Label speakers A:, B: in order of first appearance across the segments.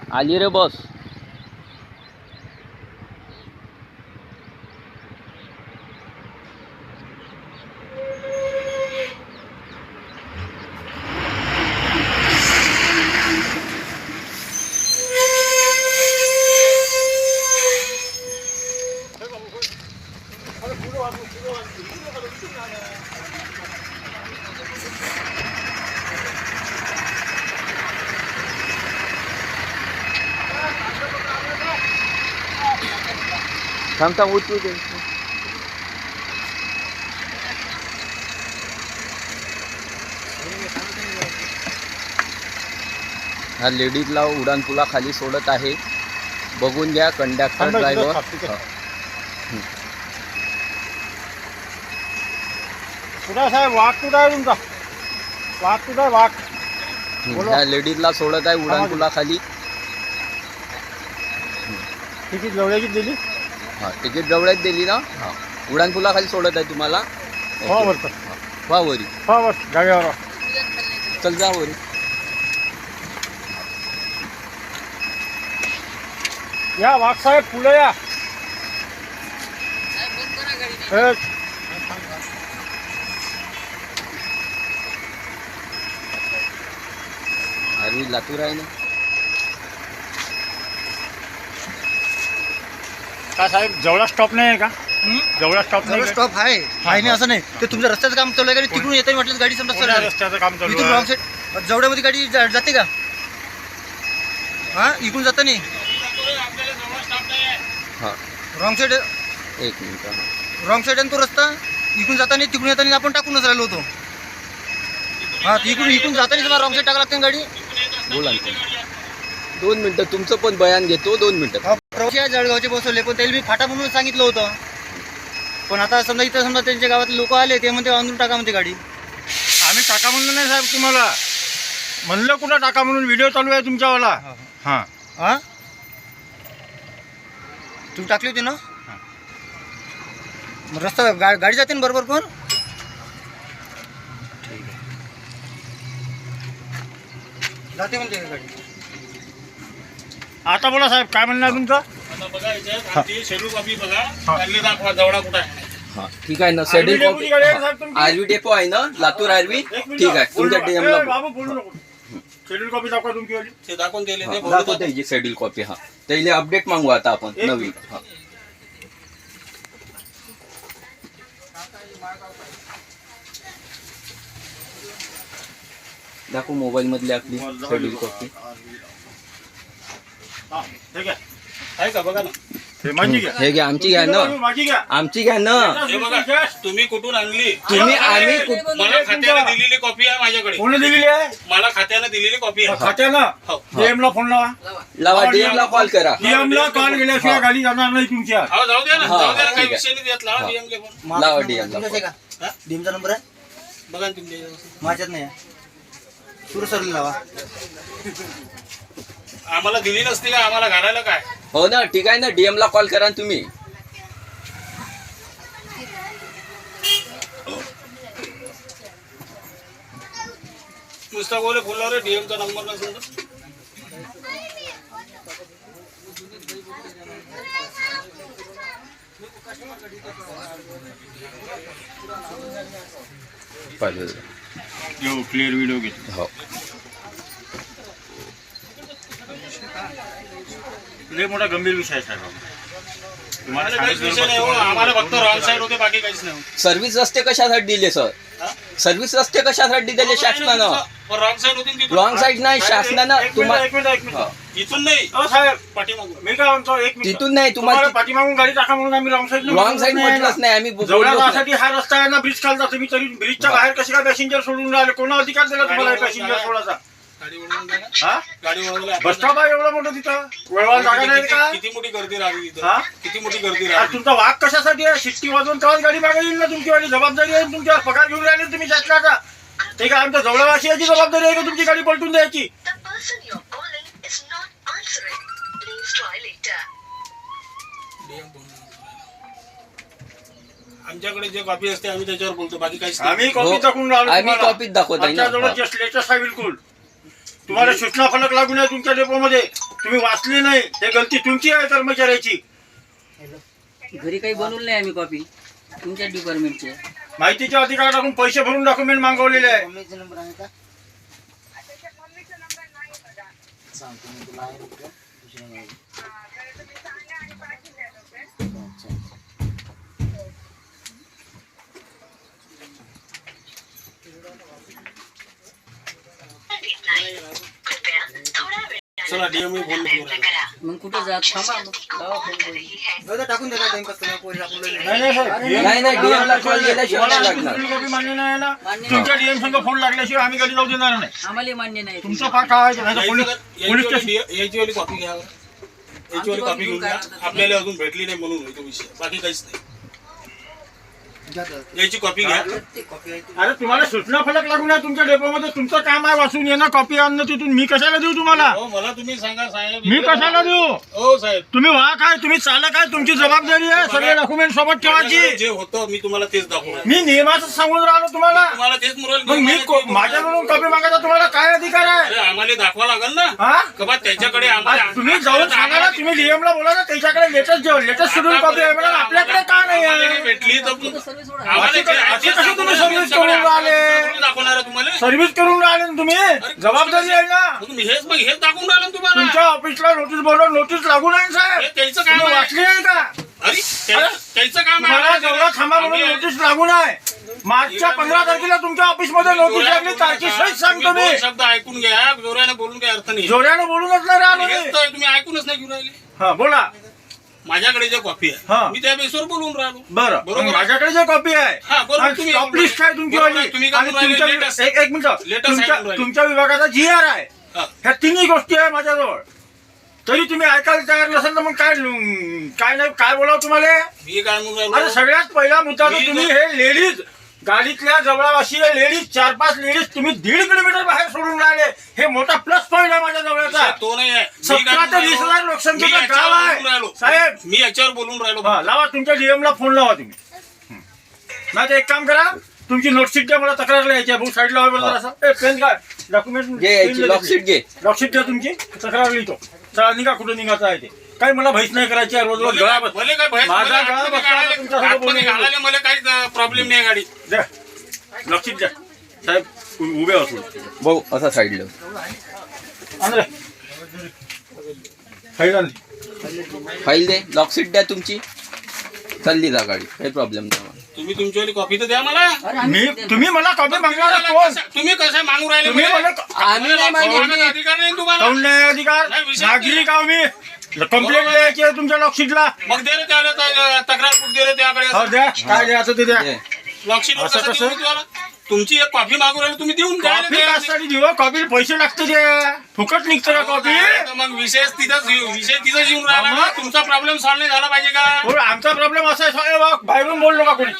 A: आली रे बस. थांब थांब उचलू दे. हा लेडीजला उड्डाणपुलाखाली सोडत आहे. बघून घ्या कंडक्टर ड्रायव्हर.
B: कुठं साहेब वाघ कुठं आहे तुमचा? वाघ कुठं आहे वाघ?
A: ह्या लेडीजला सोडत आहे उड्डाणपुलाखाली.
B: तिकीट जवळची दिली?
A: हा तिकीट जवळच दिली ना. हा उड्डाणपुलाखाली सोडत आहे तुम्हाला.
B: हो बरं.
A: वा वरी.
B: हो बस जागेवर
A: चल जा वरी.
B: या वाघ साहेब पुढे या.
A: अरे लातूर आहे ना.
B: का साहेब जवळा स्टॉप नाही आहे का? जवळा स्टॉप नाही.
C: स्टॉप आहे नाही असं नाही. ते तुमचं रस्त्याचं काम चालू आहे. तिकडून येते म्हटलं गाडी समजा
B: रस्त्याचं काम चालू
C: इथून
B: आहे.
C: रॉंग साईड जवळमध्ये गाडी जाते का? हा इकडून जाता नाही.
A: हा
C: रॉंग साईड.
A: एक मिनिट.
C: रॉंग साईड आहे तो रस्ता. इकडून जाता नाही तिकडून येताना आपण टाकूनच राहिलो होतो. हा इकडून जाताना समजा रॉंग साईड टाका लागते गाडी.
A: बोला ना. 2 मिनिटं तुमचं पण बयान घेतो. 2 मिनिटं.
C: जळगावचे बसवले पण त्याला मी फाटा म्हणून सांगितलं होतं. पण आता समजा इथं समजा त्यांच्या गावातले लोक आले ते म्हणते अंदरून टाका म्हणते गाडी.
B: आम्ही टाका म्हणलं नाही साहेब तुम्हाला. म्हणलं कुठं टाका म्हणून व्हिडिओ चालू आहे तुमच्यावाला. हां
C: हां तुम्ही टाकली होती ना. मग रस्ता गाडी जाते ना बरोबर पण. ठीक आहे जाते म्हणते गाडी.
B: आता बोला साहेब काय म्हणणं आहे तुमचं?
D: आता बघा याच्यात शेड्यूल कॉपी बघा. त्यांनी दाखवा जवळा कुठं आहे.
A: हा ठीक आहे ना. शेड्यूल कॉपी आरवी डेपो आहे ना लातूर आरवी. ठीक आहे तुमच्या डीएमला
B: बाबू बोलू नको. शेड्यूल कॉपी दाखवा तुमची.
D: ते दाखवून दिले ते
A: दाखवते ही शेड्यूल कॉपी. हा त्याला अपडेट मागू आता आपण नवीन. हा दाखवू मोबाईल मधली आपली शेड्यूल कॉपी.
B: ठीक आहे
D: आहे का बघा ना.
B: हे माझी घ्या.
A: हे घ्या आमची घ्या ना.
B: माझी घ्या.
A: आमची घ्या ना.
D: हे बघा तुम्ही कुठून आणली.
A: आम्ही
D: मला खात्याने दिलेली कॉपी आहे माझ्याकडे.
B: कोणी दिलेली आहे?
D: मला खात्याने दिलेली कॉपी आहे.
B: खात्यानं
D: हो.
B: DM ला फोन लावा.
A: लावा DM ला कॉल करा.
B: DM ला कॉल केल्याशिवाय गाडी जाणार नाही तुमच्या.
D: हो जाऊ द्या ना.
A: हा,
D: जाऊ द्या ना.
A: ठीक
D: काही
A: आहे.
D: विषय नाही घेतला.
A: हा.
D: DM फोन
A: लावा DM ला
C: तुमच्याच आहे का? डीएमचा नंबर आहे
D: बघा ना तुमच्या.
C: माझ्यात नाही. सुरू सरली लावा.
D: आम्हाला दिली नसती का आम्हाला घालायला काय.
A: हो ना ठीक आहे ना. DM ला कॉल करा तुम्ही.
D: नुसता बोले बोलला रे DM चा नंबर नसेल तर.
B: क्लिअर व्हिडिओ घेतो.
A: हो
B: लय मोठा गंभीर विषय आहे साहेब. तुम्हाला
D: काहीच विषय नाही हो. आम्हाला फक्त रॉंग साईड होते बाकी काहीच नाही.
A: सर्व्हिस रस्ते कशासाठी दिले सर? सर्व्हिस रस्ते कशासाठी दिले शासनानं?
D: रॉंग साईड होती तिथून.
A: रॉंग साईड नाही शासनानं तुम्हाला.
B: एक मिनिट.
D: इथून नाही
B: हो साहेब
D: पाठीमागून.
B: मी काय म्हणतो एक मिनिट.
A: तिथून नाही
B: तुम्हाला
A: तुम्हाला.
B: पाठीमागून गाडी टाका म्हणून आम्ही रॉंग साईड
A: म्हटलंच नाही आम्ही
B: जवळ
A: बोललोच नाही.
B: जाण्यासाठी हा रस्ता आहे ना. ब्रिज खालचा तुम्ही तरी ब्रिजच्या बाहेर कसे काय पॅसेंजर सोडून राहिले? कोणा अधिकार दिला तुम्हाला पॅसेंजर सोडायचा?
D: गाडी वळवून द्या ना.
B: हा
D: गाडी वळवली.
B: बस स्टॉप आहे एवढं मोठं तिथं. वळवायला जागा नाही का?
D: किती मोठी गर्दी राहिली
B: हा?
D: तिथं. किती मोठी गर्दी
B: अरे
D: राहिली.
B: तुमचा वाघ कशासाठी आहे? शिट्टी वाजवून तेव्हाच गाडी मागे येईल ना तुमची. जबाबदारी आहे तुमच्यावर. पगार घेऊन राहिले तुम्ही शासनाचा. ते काय आमच्या जवळवासियाची जबाबदारी आहे का तुमची गाडी पलटून द्यायची?
D: आमच्याकडे जे कॉपी असते आम्ही त्याच्यावर बोलतो बाकी काहीच नाही.
B: आम्ही कॉपी टाकून राहिलो
A: आम्ही
B: तुम्हाला.
A: कॉपीत दाखवत आहे
B: आमच्या जवळ
A: ना.
B: लेटेस्ट आहे बिलकुल. तुम्हाला सूचना फलक लागू नये तुमच्या डेपोमध्ये, तुम्ही वाचली नाही, हे गलती तुमची आहे कर्मचाऱ्याची.
E: घरी काही बनवलं नाही आम्ही कॉपी तुमच्या डिपार्टमेंटचे.
B: माहितीच्या अधिकार टाकून पैसे भरून डॉक्युमेंट मागवलेले आहे.
C: नंबर आहे का सांगतो मी तुला आहे दुसरं नाही.
D: चला डीएमई फोन
E: मग कुठे जात थांबा मग लावा फोन करून.
C: टाकून देतात टाइमपास तुम्ही पोरी टाकून
B: नाही नाही साहेब,
A: नाही नाही DM ला कॉल केल्याशिवाय नाही
B: तुम्हाला
A: लागणार.
B: दुसरी कॉपी मान्य नाही आहे ना.
E: मान्य
B: तुमच्या डीएम संघ फोन लागल्याशिवाय आम्ही गाडी जाऊ देणार नाही.
E: आम्हाला मान्य नाही.
B: तुमचं फार काय आहे, नाही तर पोलीस स्टेशन.
D: याची वाली कॉपी घ्या, याची वाली कॉपी घेऊन घ्या. आपल्याला अजून भेटली नाही म्हणून होतो विषय, बाकी काहीच नाही. याची कॉपी घ्या.
B: अरे तुम्हाला सूचना फलक लागून आहे तुमच्या डेपोमध्ये, तुमचं काम आहे वाचून येणं, कॉपी आणणं तिथून. मी कशाला देऊ तुम्हाला?
D: हो मला तुम्ही सांगा साहेब.
B: मी कशाला देऊ?
D: हो साहेब,
B: तुम्ही वाहक आहे, तुम्ही चालक आहे, तुमची जबाबदारी आहे सगळे डॉक्युमेंट सोबत ठेवायची.
D: जे होतं मी तुम्हाला तेच दाखवणार.
B: मी नियमाचं सांगून राहिलो तुम्हाला.
D: तुम्हाला तेच
B: मग मी माझ्याकडून कॉपी मागायचा तुम्हाला काय अधिकार आहे?
D: अरे आम्हाला दाखवा लागेल ना
B: हा?
D: कबा त्याच्याकडे आम्हाला.
B: तुम्ही जाऊन सांगा ना, तुम्ही डीएम ला बोला ना, त्याच्याकडे लेटेस्ट शेड्यूल कॉपी आहे म्हणा, आपल्याकडे का नाही
D: आम्हाला
B: आहे?
D: भेटली तर
E: सर्व्हिस सोडा.
D: आम्हाला
B: अशी कशी तुम्ही सर्व्हिस करून राहिले?
D: दाखवणार आहे तुम्हाला.
B: सर्व्हिस करून राहिले ना तुम्ही, जबाबदारी आहे ना.
D: मग हेच दाखवून राहिलं ना तुम्हाला.
B: तुमच्या ऑफिसला नोटीस बोलून नोटीस लागू नाही
D: हे
B: साहेब.
D: त्याचं काम
B: तुम्ही
D: आहे.
B: वाचली नाही का?
D: अरे त्याचं काम आहे.
B: मला जवळ थांबा म्हणून
D: आम्ही-
B: नोटीस लागू नाही. मार्चच्या 15 तारखेला तुमच्या ऑफिसमध्ये नोटीस लागली, तारखी सहित सांगतो
D: तुम्ही
B: मी.
D: दोन शब्द ऐकून घ्या, जोराने बोलून काही अर्थ नाही.
B: जोऱ्यानं बोलूनच नाही राहिलो
D: हेच
B: मी.
D: तर तुम्ही ऐकूनच नाही घेऊन राहिले.
B: हा बोला.
D: माझ्याकडे जे कॉपी
B: हा.
D: आहे मी त्या बेसवर बोलून राहिलो.
B: बरं,
D: बरोबर.
B: माझ्याकडे जे कॉपी
D: हा,
B: आहे
D: बरोबर.
B: आणि
D: तुम्ही
B: स्टॉप लिस्ट आहे तुमची
D: बरोबर,
B: वाली.
D: तुम्ही काय
B: आणि
D: बोलून राहिले?
B: तुमच्या
D: latest-
B: एक मिनिट,
D: latest आहे बोलून राहिले.
B: तुमच्या विभागाचा GR आहे.
D: हा.
B: ह्या तिन्ही गोष्टी आहे माझ्याजवळ. तरी तुम्ही ऐकायला तयार नसेल तर मग काय नाही, काय बोलावं तुम्हाला?
D: मी काय म्हणून
B: अरे
D: राहिलो.
B: सगळ्यात पहिला मुद्दा तर
D: मी
B: तुम्ही हे लेडीज गाडीतल्या जवळवाशी लेडीज 4-5 लेडीज तुम्ही 1.5 किलोमीटर बाहेर सोडून राहिले, हे मोठा प्लस पॉईंट आहे माझ्या जवळचा.
D: तो नाही आहे. मी
B: 17
D: काय
B: ते
D: म्हणून
B: 20,000
D: राहिलो.
B: लोकसंख्येचं
D: मी याच्यावर
B: गाव आहे.
D: बोलून राहिलो.
B: साहेब.
D: मी याच्यावर बोलून राहिलो.
B: हा, लावा तुमच्या DM ला फोन लावा तुम्ही. नाही तर एक काम करा, तुमची नोटशीट द्या, मला तक्रार लिहायची आहे. भाऊ साईडला व्हा बरं जरासं. पेन काय डॉक्युमेंट
A: घे यायची लॉकशीट घे.
B: लॉकशीट द्या तुमची, तक्रार लिहितो. चला निघा, कुठं निघायचं आहे ते. काही मला भैस नाही करायची आहे. रोज रोज गळा बस.
D: मला काय भय-
B: माझा
D: मला
B: गळा
D: आतमध्ये
B: बसला
D: घालायला-
B: तुमच्यासोबत
D: आतमध्ये
B: बोलून.
D: घालायला मला काही प्रॉब्लेम नाही गाडी.
B: द्या लॉकशीट द्या साहेब, उभे असून.
A: भाऊ असा साईडला.
B: आंध्रे फाईल आणली.
A: फाईल दे, लॉकशीट द्या तुमची. चालली जा गाडी, काही प्रॉब्लेम नाही.
D: तुम्ही तुमची कॉपी तर द्या मला.
E: अरे आम्ही
B: तुम्ही मला कॉपी मागणार कोण?
D: तुम्ही कसं मागू राहिले
B: तुम्ही
D: मला?
B: मला
A: आम्ही नाही मागितली.
D: मागण्याचा अधिकार नाही तुम्हाला.
B: काऊन नाही अधिकार?
D: नाही, विषय
B: नागरिक आहो मी. कंप्लेंट द्यायची आहे तुमच्या लॉकशीटला.
D: मग दे रे त्याला तक्रार बुक दे रे त्याकडे.
B: हो द्या, काय द्यायचं ते द्या.
A: दे.
D: लॉकशीट
B: असं
D: कसं
B: कसं?
D: देऊ तुम्हाला? तुमची एक कॉफी मागू राहिली तुम्ही देऊन द्या
B: कॉफी कशासाठी देऊ? कॉफी पैसे लागते ते. फुकट निघतं का कॉफी?
D: मग विषय तिथंच येऊन राहिला ना. तुमचा प्रॉब्लेम सॉल्व्ह नाही झाला पाहिजे का?
B: हो, आमचा प्रॉब्लेम असा आहे साहेब, बाहेरून बोललो का कोणी?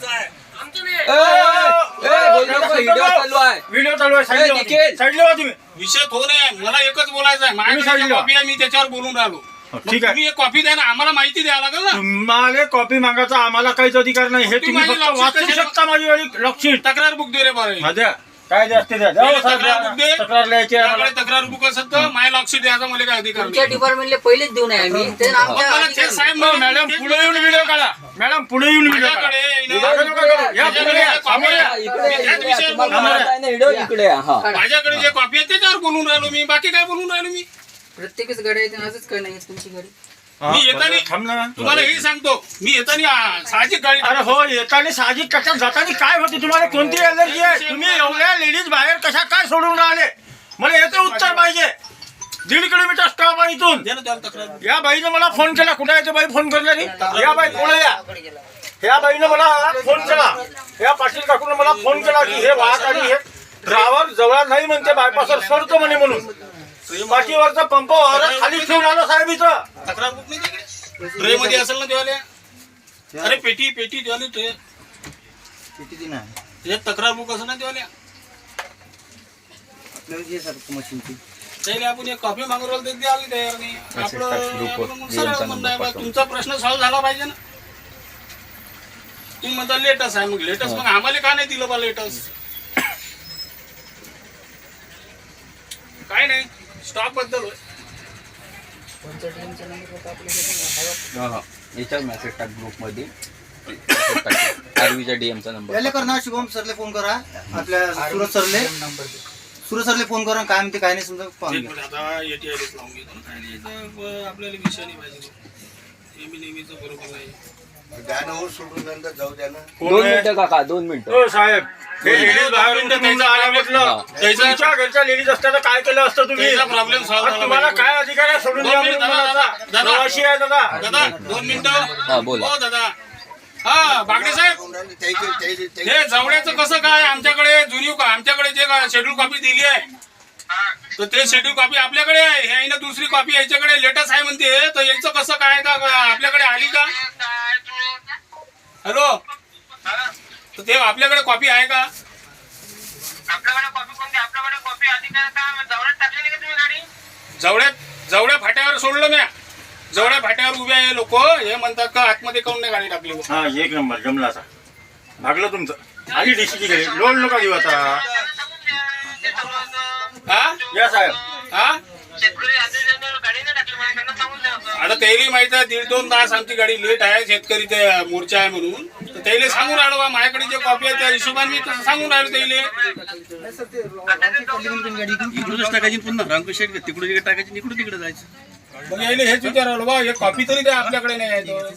A: व्हिडिओ चालू आहे.
B: व्हिडिओ चालू आहे.
A: ए, निखिल.
B: साईडला व्हा तुम्ही.
D: विषय तो नाही, मला एकच बोलायचं आहे.
B: तुम्ही
D: माझ्याकडे
B: सांगितलं.
D: कॉफी आहे, मी त्याच्यावर बोलून राहिलो.
B: ठीक आहे.
D: तुम्ही एक कॉफी द्या ना, आम्हाला माहिती द्यावं लागेल ना.
B: तुम्हाला कॉपी मागायचा आम्हाला काहीच अधिकार नाही. हे तुम्ही
D: माझी
B: फक्त
D: लॉकशीट
B: वाचू
D: कशाला-
B: शकता माझी वाली लॉकशीट.
D: तक्रार बुक दे रे बरं.
B: हा, द्या. काय द्या ते द्या. द्या हो, साहेब,
D: तक्रार बुक दे.
B: द्या. तक्रार लिहायची आहे
D: त्याकडे
B: आम्हाला.
D: तक्रार बुक असेल तर माय लॉकशीट द्यायचा मला काय अधिकार
E: तुमच्या
D: नाही.
E: डिपार्टमेंटला पहिलेच देऊ नये आम्ही ते
D: मग
E: आमच्या
D: मला
E: अधिकार
D: ते साहेब
B: हो,
D: मला-
B: मॅडम
D: तेच
B: पुढे येऊन व्हिडिओ काढा. मॅडम पुढे येऊन व्हिडिओ काढा.
D: माझ्याकडे आहे ना.
B: मागं नका करू. या पुढे या. समोर या.
A: इकडे या,
D: त्याच
A: इकडे या.
D: विषयावर
A: तुम्हाला
D: बोलू.
A: मारत आहे ना व्हिडिओ, इकडे या. हा.
D: माझ्याकडे जे कॉपी आहे त्याच्यावर बोलून राहिलो मी, बाकी काय बोलून राहिलो मी.
E: प्रत्येकच गाडी आहे असंच काय नाही तुमची गाडी.
B: हा,
D: मी येताना-
B: बरं, थांब ना.
D: तुम्हाला हे सांगतो, मी येताना साहजिक गाडी
B: अरे हो, येताना साहजिक कशा जाताना काय होते? तुम्हाला कोणती एलर्जी आहे? तुम्ही एवढ्या लेडीज बाहेर कशा काय सोडून राहिले? मला याचं उत्तर पाहिजे. 1.5 किलोमीटर स्टॉप आहे इथून.
D: दे ना त्याला तक्रार.
B: या बाईनं मला फोन केला. कुठे आहे ते बाई फोन करणारी? या बाई पुढे या. या बाईनं मला फोन केला. या पाटील काकून मला फोन केला की हे वाहक आणि हे ड्रायव्हर जवळ नाही म्हणते, बायपासवर सोडतो म्हणे म्हणून. पाठीवरचा पंप खाली ठेवून आलो साहेब इथं.
D: तक्रार बुक नाही तिकडे ट्रे मध्ये असेल ना देवाले. अरे पेटी देवाले ट्रे.
C: किती दिन आहे
D: त्याच्यात तक्रार बुक असेल ना देवाले.
C: आपल्याला जे सारखं मशीनची
D: त्याला आपण एक कॉफी मागू राहिलो ते द्यावी तयार नाही. आपलं मग सरळ म्हणणं आहे बा, तुमचा प्रश्न सॉल्व्ह झाला पाहिजे ना. तुम्ही म्हणता लेटस आहे, मग लेटस मग आम्हाला का नाही दिलं बा लेटस? काय नाही स्टॉक बद्दल होय.
A: याच्यावर मेसेज टाक ग्रुपमध्ये आरवीच्या डीएमचा नंबर
C: याले कर ना, शुभम सरले फोन करा, आपल्या सुरज सरले फोन करा, काय म्हणते काय नाही समजा पाहून
D: एक
C: घ्या.
D: मिनिट, आता ATI लावून घेतो ना. काय नाही, इथं आपल्याला विषय नाही पाहिजे. नेहमीचं बरोबर नाही.
A: दोन मिनिटं काका 2 मिनिटं
B: हो साहेब, हे लेडीज बाहेरून तुमचं आला म्हटलं, तुमच्या घरच्या लेडीज असत्या तर काय केलं असतं तुम्ही?
D: त्याचा प्रॉब्लेम सॉल्व्ह
B: आज
D: झाला
B: तुम्हाला
D: पाहिजे.
B: काय अधिकार आहे सोडून द्या म्हणून मला?
D: दादा.
B: प्रवासी आहे दादा.
D: दादा 2 मिनिटं.
A: हा, बोला.
D: हो दादा. हा बागडे साहेब, हे जवळ्याचं कसं काय? आमच्याकडे जे शेड्यूल कॉपी दिली आहे तर ते शेड्यूल कॉपी आपल्याकडे आहे. हे ना दुसरी कॉपी याच्याकडे लेटेस्ट आहे म्हणते. तर याचं कसं काय का आपल्याकडे आली का? हॅलो, तर ते आपल्याकडे कॉपी आहे का? जवळ्या फाट्यावर सोडलं म्या. जवळ्या फाट्यावर उभे आहे लोक, हे म्हणतात का आतमध्ये काऊन नाही गाडी टाकली?
B: हा, एक नंबर जमला आता. भागलं तुमचं. आली डीसीची घरी लोड नका देऊ आता.
D: हा
B: या साहेब.
D: हा आता त्याला माहित आहे 1.5-2 तास आमची गाडी लेट आहे, शेतकरी ते मोर्चा आहे म्हणून. तर त्याला सांगून राहिलो बा, माझ्याकडे जे कॉपी आहे त्या हिशोबाने मी तसं सांगून राहिलो त्याला.
C: इकडूनच टाकायची पुन्हा रामकृष्ण तिकडे टाकायची, इकडून तिकडे जायचं.
D: मग यायला हेच विचारलं बा, हे कॉपी तरी द्या, आपल्याकडे नाही आहे तो.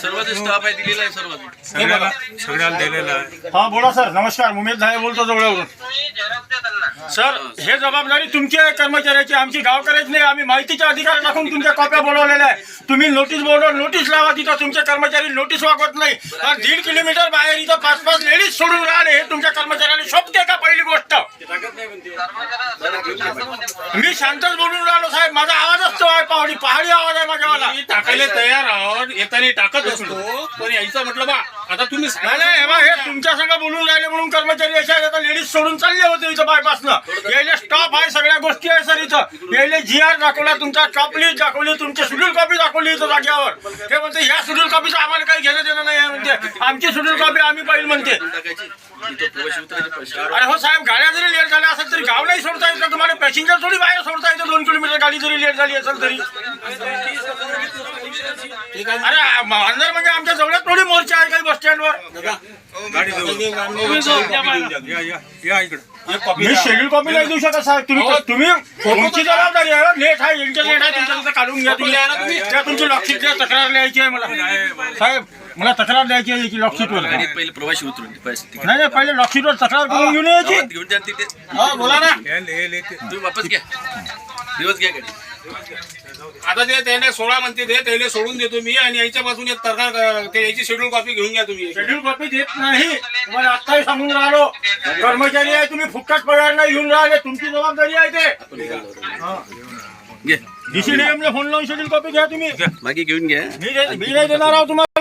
F: सगळ्याला दिलेला आहे.
B: हा बोला सर. नमस्कार, उमेश धाय बोलतो जवळवरून. सर, हे जबाबदारी तुमची आहे, कर्मचाऱ्याची, आमची गावकऱ्याची नाही. आम्ही माहितीचा अधिकार टाकून तुमच्या कॉप्या बोलवलेल्या आहे. तुम्ही नोटीस बोर्डवर नोटीस लावा, तिथं तुमचे कर्मचारी नोटीस वागवत नाही. 1.5 किलोमीटर बाहेर इथं 5-5 लेडीज सोडून राहिले. हे तुमच्या कर्मचाऱ्याने शोभते का? पहिली गोष्ट, मी शांतच बोलून राहिलो साहेब. माझा आवाजच तो आहे, पहाडी आवाज आहे माझ्यावाला.
D: मी टाकायला तयार आहोत, येताना टाकत असतो, पण यायचं म्हटलं बा आता तुम्ही
B: नाही, हे बा, हे तुमच्या संग बोलून राहिले म्हणून कर्मचारी अशा आहेत. आता लेडीज सोडून चालले होते इथं बायपासनं. यायला स्टॉप आहे, सगळ्या गोष्टी आहे सर इथं. यायला GR दाखवला, तुमचा टॉप लिस्ट दाखवली, तुमची शेड्यूल कॉपी दाखवली इथं जाग्यावर. हे म्हणते ह्या शेड्यूल कॉपीचं आम्हाला काही घेणं देणं नाही आहे म्हणते. आमची शेड्यूल कॉपी आम्ही पाहिजे म्हणते. अरे हो साहेब, गाड्या जरी लेट झाल्या असेल तरी गाव नाही सोडता येत. तुम्हाला पॅसेंजर थोडी बाहेर सोडता येतं. 2 किलोमीटर गाडी जरी लेट झाली असेल तरी. अरे अंदर म्हणजे आमच्या जवळच थोडी मोर्चा आहे काही बस स्टँडवर.
F: या इकडे.
B: मी शेड्यूल कॉपी नाही देऊ शकत साहेब. तुम्ही तुमची जबाबदारी आहे. लेट आहे, इंटरनेट आहे, तुमच्या तिथं काढून घ्या तुम्ही. त्या तुमची लॉकशीट तक्रार लिहायची आहे मला साहेब. मला तक्रार द्यायची आहे याची लॉकशीटवर.
G: पहिले प्रवासी उतरून
B: नाही, पहिले लॉकशीटवर तक्रार करून घेऊन यायची.
G: घेऊन जा तिथे.
B: हा, बोला ना.
G: तुम्ही वापस घ्या, दिवस घ्या गाडी.
D: आता ते त्याने 16 म्हणते ते त्याला सोडून देतो मी, आणि याच्यापासून एक तक्रार ते याची शेड्यूल कॉपी घेऊन घ्या तुम्ही.
B: शेड्यूल कॉपी देत नाही, तुम्हाला आत्ताही सांगून राहिलो. कर्मचारी आहे, तुम्ही फुकट पगार नाही घेऊन राहिले. तुमची जबाबदारी आहे ते.
G: घे
B: DCDM ला फोन लावून शेड्यूल कॉपी घ्या तुम्ही.
G: बाकी घेऊन घ्या.
B: मी नाही देणार आहोत तुम्हाला.